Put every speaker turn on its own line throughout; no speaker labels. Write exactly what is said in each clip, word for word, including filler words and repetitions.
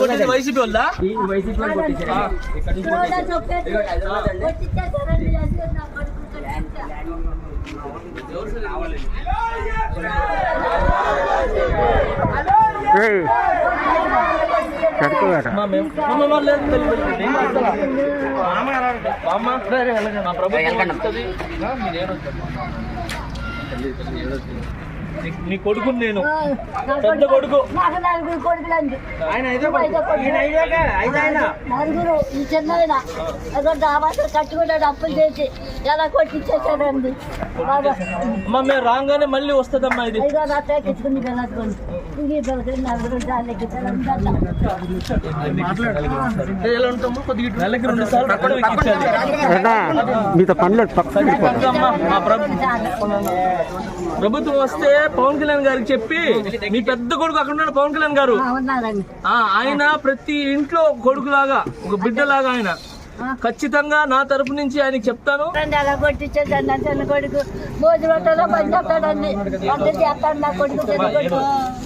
కొట్టింది వైసీపీ వల్ల
వైసీపీ వాళ్ళు కొట్టేశారు.
నీ కొడుకు నేను పెద్ద కొడుకు
నలుగురు ఈ చిన్న కట్టుకున్నాడు అప్పులు చేసి ఎలా కొట్టించేసాడండి.
అమ్మా మేము రాగానే మళ్ళీ వస్తుందమ్మా ఇది.
ఎక్కించుకుని నలుగురు
ఎలా ఉంటామో కొద్దిగా నెలకి రెండు సార్లు అక్కడ ఎక్కించాలి.
మీతో పనులు
మా ప్రభుత్వం వస్తే పవన్ కళ్యాణ్ గారికి చెప్పి మీ పెద్ద కొడుకు అక్కడ ఉన్నాడు పవన్ కళ్యాణ్ గారు. ఆయన ప్రతి ఇంట్లో కొడుకు లాగా ఒక బిడ్డ లాగా ఆయన ఖచ్చితంగా నా తరపు నుంచి ఆయనకి చెప్తాను.
అలా కొట్టించేదండి చిన్న కొడుకు భోజనం రొట్టెలో పని చెప్తాడండి. వంట చేస్తాడు నా కొడుకు చిన్న కొడుకు.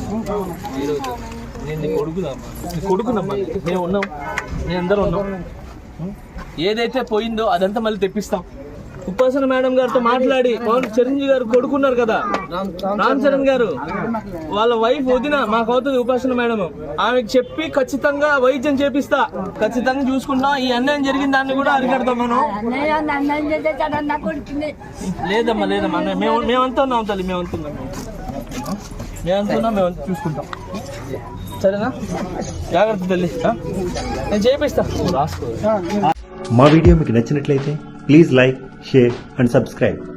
నేను కొడుకుదమ్మా కొడుకునమ్మా మేము ఉన్నాం, మేము అందరూ ఉన్నాం. ఏదైతే పోయిందో అదంతా మళ్ళీ తెప్పిస్తాం. ఉపాసన మేడం గారితో మాట్లాడి పవన్ చిరంజీవి గారు కొడుకున్నారు కదా రామ్ చరణ్ గారు, వాళ్ళ వైఫ్ వదిన మాకు అవుతుంది ఉపాసన మేడం, ఆమెకు చెప్పి ఖచ్చితంగా వైద్యం చేపిస్తా, ఖచ్చితంగా చూసుకుంటాం. ఈ అన్యాయం జరిగిన దాన్ని కూడా అరికడతాం మనం. లేదమ్మా లేదమ్మా మేము మేమంతా ఉన్నాం తల్లి, మేమంతా ఉన్నాం మేమంతా ఉన్నాం మేమంతా చూసుకుంటాం. సరేనా? జాగ్రత్త తల్లి, నేను చేపిస్తా రాసుకో.
మా వీడియో మీకు నచ్చినట్లయితే please like, share and subscribe.